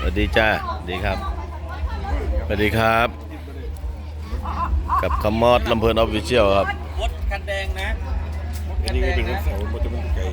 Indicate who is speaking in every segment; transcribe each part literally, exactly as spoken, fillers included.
Speaker 1: สวัสดีจ้าดีครับสวัสดีครับกับคำมอดลำเพลินออฟฟิเชียลครับ
Speaker 2: วดคันแดงนะ
Speaker 3: อันนี้ก็เป็นรถเสามันจะมันไกล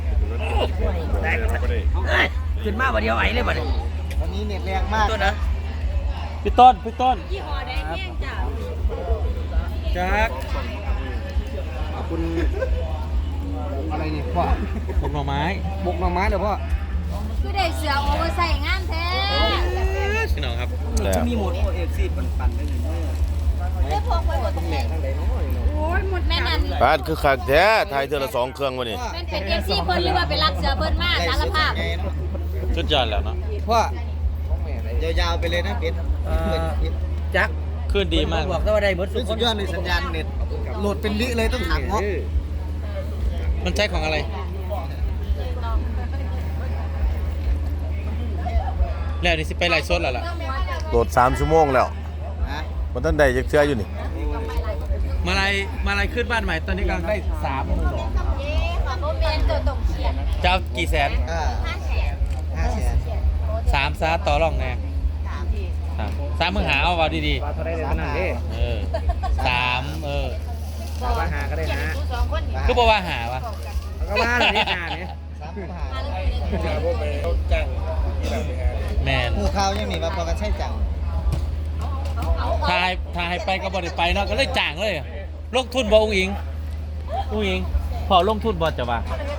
Speaker 2: ขึ้นมาวันเดียวไอ้เลยบัดนี้
Speaker 4: วันนี้เน็ตแรงมาก
Speaker 2: ต้นนะพี่ต้นพี่ต้น
Speaker 5: ยี่ห้อแดงแห้งจ้ะ
Speaker 2: แจ็ค
Speaker 4: ขอบคุณอะไรนี่พ่อ
Speaker 2: ผลไม้
Speaker 4: บุกหน่อไม้เดี๋ยวพ่อ
Speaker 5: คือได้เสือโอเวอร์ใส่งานแท้
Speaker 2: พี่น้องครับ
Speaker 4: จะมีหมดโอเอฟซีปั่นๆได้หนึ่ง
Speaker 5: ได้พกไว้หมดตรงไหนโอ้ยหมดแม่นัน
Speaker 1: บ้านคือขักแท้ไทยเธอละสองเครื่องวะนี่
Speaker 5: เป็นเป็นเอฟซีเพิ่นหรือว่าเป็นรักเสือเพิ่นมากสารภาพ
Speaker 1: ชุดยอดแล้วเนาะ
Speaker 4: พ่อยาวๆไปเลยนะเป็ด
Speaker 2: แจ็คขึ้นดีมากบอกว่าได้หมด
Speaker 4: สุดยอดในสัญญาณเน็ตโหลดเป็นลิเลยต้องถามเนาะ
Speaker 2: มันใช้ของอะไรแล้วนี่สิไปไล่สดแล้วล่ะ
Speaker 1: โหลดสามชั่วโมงแล้วมันต้นใดจะเชื่ออยู่นี่
Speaker 2: มาลายมาลายขึ้นบ้านใหม่ตอนนี้กำลังได้สามหมื่นสองจะเอากี่แสน
Speaker 4: ห้าแสน
Speaker 2: สามซาต่อรองแน่สามมึงหาเอาว่าดีๆเออสามเออ
Speaker 4: ว่าหาก็ได้นะ
Speaker 2: คือบอกว่าหาวะ
Speaker 4: ก็ว่าอะไรนี่หาเนี่ย
Speaker 2: แมน
Speaker 4: ผู้ข่าวยังมีมาพอกันใช่จัง
Speaker 2: ทายทายไปก็บ่ได้ไปเนาะก็เลยจ่างเลยลงทุนบ่องอิงองอิงพอลงทุนบ่จะว่า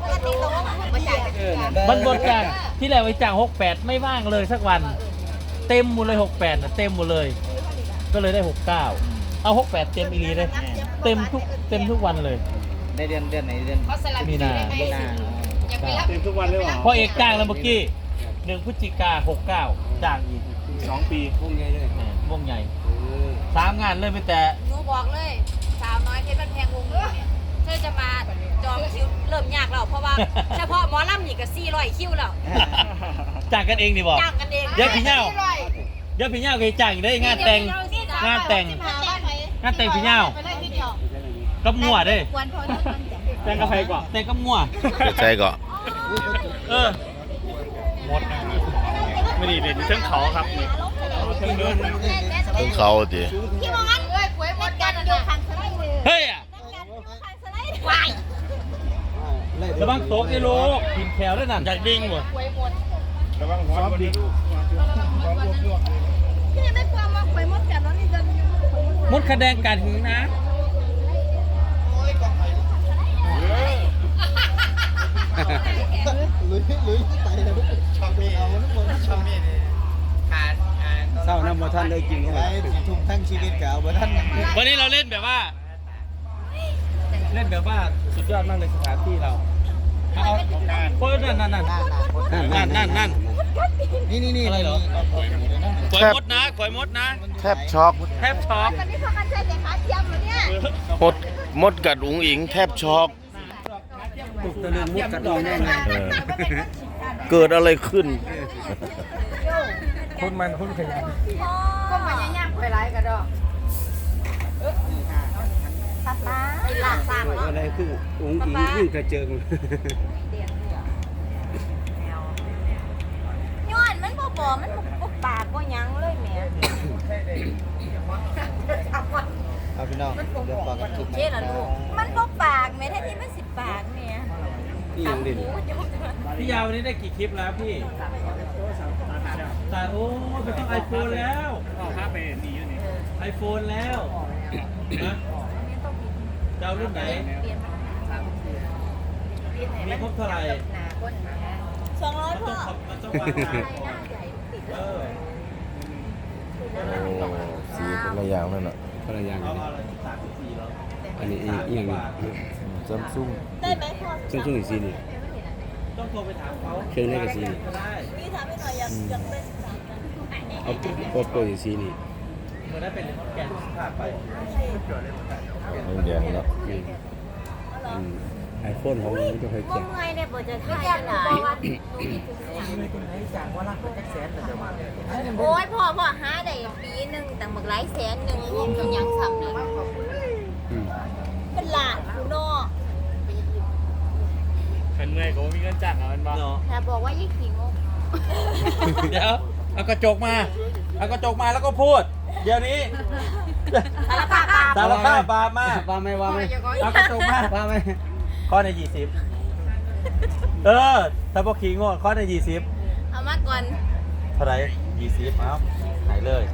Speaker 2: มันบนจ่างที่แล้วไปจ่างหกแปดไม่ว่างเลยสักวันเต็มหมดเลยหกแปดนะเต็มหมดเลยก็เลยได้หกเก้าเอาหกแปดเต็มอีลีเลยเต็มทุกเต็มทุกวันเลย
Speaker 4: ในเดือนเดือนไหนเดือน
Speaker 2: มีนา
Speaker 4: มีนา
Speaker 3: เต็มทุกวันเลยหรอ
Speaker 2: พอเอกจ้างแล้วเมื่อกี้หนึ่งพฤศจิกาหกเก้าจ้างอีก
Speaker 3: สองปี
Speaker 4: วงใหญ่เลย
Speaker 2: วงใหญ่สามงานเลยไม่แต่
Speaker 5: หนูบอกเลยสาวน้อยเพชรบ้านแพงวงนี้เนี่ยเธอจะมาจองคิวเริ่มยากแล้วเพราะว่าเฉพาะหมอลำนี่ก็สี่ร้อยคิวแล้ว
Speaker 2: จ้างกันเองดิบอก
Speaker 5: จ้างกันเอง
Speaker 2: เยอะพี่เน่าเยอะพี่เน่าเคยจ้างได้งานแต่งงานแต่งงานแต่งพี่เน่ากับมั่วเด้แต่งกับใครก่อนแต่งกับมั่ว
Speaker 1: ใช่ก่อน
Speaker 2: เออหมดไม่ดีเลยทั้งเขาครับทั้งเดิน
Speaker 1: ทั้งเขาดิ
Speaker 5: พี่มองงั้นเอ้ยป่วยหมดกันอยู่ข้างสไลด์
Speaker 2: เฮ้ยอ่ะ
Speaker 5: วาย
Speaker 2: ระวังโต๊ะไอ้ลูกกินแคลได้หนักจากดิ้งหมด
Speaker 3: ระวังหัวดิ
Speaker 5: พี่ไม่กลัวมาป่วยหมดกันแล้วนี่จะ
Speaker 2: มดคะแนนการหึงนะ
Speaker 4: ลุยลุยไปแล้วช่องนี้เอาทุกคนช่องนี้ขาดเศร้าน้ำมาท่านได้กินไปทุ่มทั้งชีวิตกับเอาท่าน
Speaker 2: วันนี้เราเล่นแบบว่าเล่นแบบว่าสุดยอดมากเลยสถานที่เราเอาโอ้ยนั่นนั่นนั่นนั่นนั่นนั่น
Speaker 4: นี่นี่นี่
Speaker 2: อะไรเหรอข่อยมดนะข่อยมดนะ
Speaker 1: แทบช็อก
Speaker 2: แทบช็อก
Speaker 5: วันนี้พากันใช้แต่ขาเทียมเหรอเนี่ย
Speaker 1: มดมดกัดอุ๋งอิงแทบช็อก
Speaker 4: ตะลึงมุดกัดเลยแน่ไง
Speaker 1: เกิดอะไรขึ้น
Speaker 4: คนมันคนขยัน
Speaker 5: ก็มันยังยากไปไรกันดอกตาตาอีหลาสร้าง
Speaker 4: อะไรคือองค์อิงยิ่งกระเจิง
Speaker 5: ย้อนมันบ่บ่มันบ่ปากบ่ยังเลยแม่
Speaker 4: เอาพี่น้องเดี๋ยวบอกกันคลิป
Speaker 5: เจ๊ล่ะลูกมันบ่ปากแม่แท้ที่มันสิปากแม่
Speaker 4: พี่ยังดิ
Speaker 2: พี่ยาววันนี้ได้กี่คลิปแล้วพี่แต่โอ้ไปต้องไอโฟนแล้วห้าไปนี่อยู่นี่ไอโฟนแล้วนะเจ้ารุ่นไหนมีครบเท่าไหร่
Speaker 5: สองร้อยพ่อ
Speaker 2: มันต้องวางเออ
Speaker 1: โอ้สีคนละอย่างนั่นแหละ
Speaker 4: คนละอย่างอันนี้อีกอย่างนึง
Speaker 1: ซัมซุง
Speaker 5: ได้ไหมพ่อ
Speaker 4: ซัมซุงอีกสีนี่
Speaker 2: ต้องโทรไปถามเขา
Speaker 4: เครื่องนี้กับสีนี่
Speaker 5: พี่ถามให้หน่อยอยากอยากเป็น
Speaker 4: เอาโปรโปรอีกสีนี่
Speaker 2: เมื่อได้เป็นแกนภาพไป
Speaker 1: แดงแล้ว
Speaker 4: ไอโฟนของมันจะเคยแจก
Speaker 5: เมื่อไงเนี่ยเปิดจะถ่ายกันหนาโอ้ยพ่อพ่อหาได้ปีหนึ่งแต่หมึกหลายแสนหนึ่งยังยังซ้ำเลยเป็นหลานคุณนอ
Speaker 3: ขันเมื่อยก็มีเงินจ้างเอาเป็นบ้า
Speaker 5: แต่บอกว่ายี่ขี้งก
Speaker 2: เดี๋ยวเอากระจกมาเอากระจกมาแล้วก็พูด เดี๋ยวนี้
Speaker 5: สารภาพบาป
Speaker 2: สารภาพบาปมา
Speaker 4: ว่าไหมว่าไหม
Speaker 2: เอากระจกมา
Speaker 4: ว่าไหม
Speaker 2: ข้อในยี่สิบเออถ้าพวกขิงงข้อในยี่สิบ
Speaker 5: เอามาก่อน
Speaker 2: เท่าไหร่ยี่สิบเอาหายเลย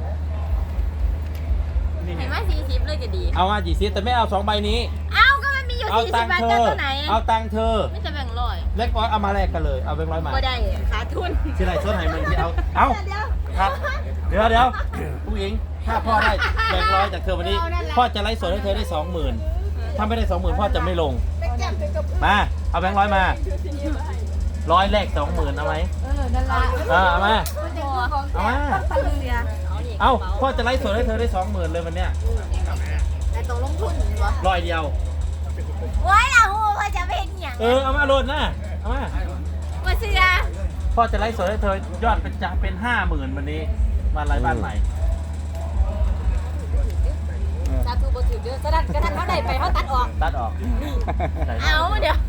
Speaker 5: เห็นว่าสี่สิบเลยจะดี
Speaker 2: เอามายี่สิบแต่ไม่เอาสองใบนี้
Speaker 5: เอ้าก็มันมีอยู่
Speaker 2: เอา
Speaker 5: สี่
Speaker 2: ตั
Speaker 5: สิ
Speaker 2: ง
Speaker 5: บ
Speaker 2: ค์
Speaker 5: บาท
Speaker 2: เธ
Speaker 5: จะ
Speaker 2: อ
Speaker 5: ตัวไหน
Speaker 2: เอาตังค์เธอ
Speaker 5: ไม่จะแบ่งร้อย
Speaker 2: เล็กร้อยเอามาแลกกันเลย เอาแบงค์ร้อยมา
Speaker 5: ก็ได้ขาทุน
Speaker 2: ที่ไรส้นไหนมันที่เอา เอาครับเดี๋ยวเดี๋ยวผู้หญิง ถ้าพ่อได้แบงค์ร้อยจากเธอวันนี้ พ่อจะไล่สดให้เธอได้สองหมื่นถ้าไม่ได้สองหมื่นพ่อจะไม่ลง มา เอาแบงค์ร้อยมา ร้อยแรกสองหมื่นเอาไหม
Speaker 5: เออนั่นละ
Speaker 2: เออเอามา เอามา
Speaker 5: พันเรือ
Speaker 2: เอาพ่อจะไล่สดให้เธอได้สองหมื่นเลยวันเนี้ย
Speaker 5: แต่ตรงลงทุนวะ
Speaker 2: ร้อยเดียว
Speaker 5: โอ้ยล่ะฮู้ว่าจะเป็นอย่าง
Speaker 2: เออ เอามาโหลดนะ เอามา
Speaker 5: มาเสือ
Speaker 2: พ่อจะไล่สดให้เธอยอดเป็นจะเป็นห้าหมื่นวันนี้มาไล่บ้านใหม่
Speaker 5: สาธุบ่ถือเด้อสะดันกระทันเขาได้ไปเขาตัดออก
Speaker 2: ตัดออก
Speaker 5: เอาเดี๋ยว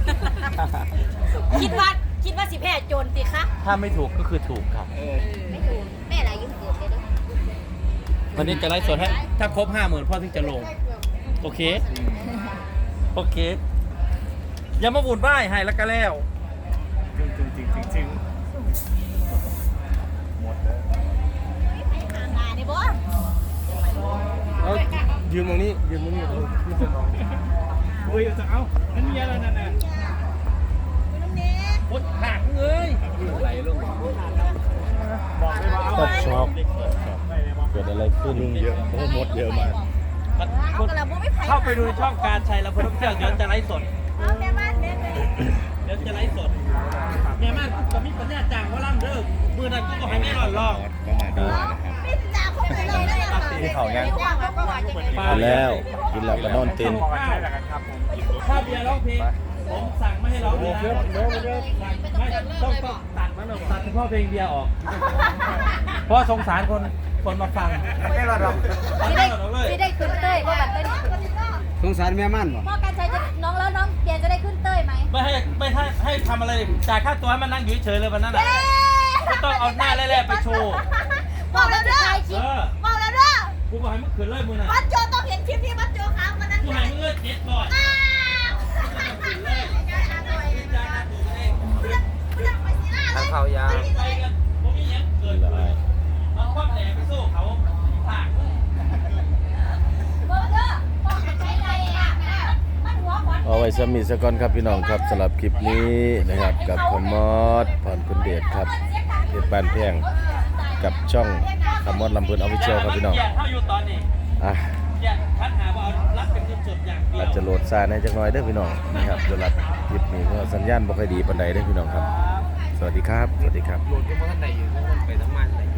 Speaker 5: คิดว่าคิดว่าสิแพ้โจรสิคะ
Speaker 2: ถ้าไม่ถูกก็คือถูกครับ
Speaker 5: ไม่ถูกแม่อะไรยุ่งเกิดเลยเด้อ
Speaker 2: วันนี้จะไล่สดให้ ถ้าครบห้าหมื่นพ่อถึงจะลง โอเค โอเค อย่ามาบุญไหว้ให้แล้วก็แล้วจริงจริงจริงจริง
Speaker 5: ทางงานนี่บ่
Speaker 3: เอายืมตรงนี้ยืมตรงนี้ยืมตรงนี้
Speaker 2: โอ้ยจะเอานั่นมีอะไรนั่นน่ะโคตรหักเลยไหลลง
Speaker 1: ก็ช็อกเกิดอะไรขึ้น
Speaker 3: ลุงเยอะเพราะว่ามดเยอะมาก
Speaker 5: เอากระบุไม่ไผ่
Speaker 2: เข้าไปดูในช่องการชัยแล้วพนมเที่ยวเดี๋ยวจะไลฟ์สด
Speaker 5: เอาแม่บ้านแม่แม่
Speaker 2: เดี๋ยวจะไลฟ์สดแม่ม่านก็มีปัญญาจ้างว่าล่ำเด้อมือนั้นกูก็ให้แม่หลอนลอง
Speaker 3: ก็มาดูนะครับ
Speaker 5: ไม่จ่าคนไหนเลยนะ
Speaker 1: ที่เขายัง
Speaker 5: จ้างก็ว่าจะไง
Speaker 1: กินแล้ว กินแล้วก็นอนเต็น
Speaker 2: ถ้าเบียร์ร้องเพลงผมสั่งไม่ให้ร้องเลยนะไม่ต้องต้องตัดมันออกตัดเฉพาะเพลงเบียร์ออก เพราะสงสารคนคนมาฟังไม่รอดหรอก
Speaker 5: ไม่ได้ไม่ได้ขึ้นเต้ยว่าแบบเต้ย
Speaker 4: สงสารแม่มั่นบ่
Speaker 5: พ่อการใช้จะน้องแล้วน้องเบียร์จะได้ขึ้นเต้ยไหม
Speaker 2: ไม่ให้ไม่ให้ให้ทำอะไรจ่ายค่าตัวให้มันนั่งอยู่เฉยๆเลยวันนั้นน่ะก็ต้องเอาหน้าแร่ๆไปโชว์
Speaker 5: บอกแล้วเด้อ
Speaker 2: เออ
Speaker 5: บอกแล้วเด้อ
Speaker 2: กูบอกให้มึงขืนเลยมึงน่ะ
Speaker 5: บัตโจต้องเห็นคลิปที่บัตโจค้างมานั้น
Speaker 2: กูให้มึงเลิกเจ็ดบ่อย
Speaker 4: ทางเขายา
Speaker 2: ไปกันผมมีอย่างเกิดขึ้นเอาความแหลมไปสู้เขาผาก
Speaker 1: เอาไว้สมิสก่อนครับพี่น้องครับสำหรับคลิปนี้นะครับกับคนมอดผ่อนคุณเดชครับเพชรบ้านแพงกับช่องคำมอดลำพูนออฟฟิเชียลครับพี่น้อง
Speaker 2: เถ้าอยู่ตอนนี้
Speaker 1: อ่ะ
Speaker 2: เกียรคัดหาว่าเอารับเป็นสดๆอย่างเดียว
Speaker 1: อาจจะโหลดซาในจักหน่อยเด้อพี่น้องนะครับสำหรับคลิปนี้เพราะว่าสัญญาณบ่ค่อยดีปานใดเด้อพี่น้องครับ สวัสดีครับ สวัสดีครับ
Speaker 4: โหลดก็เพราะท่านใดอยู่ไปทั้งมันเลย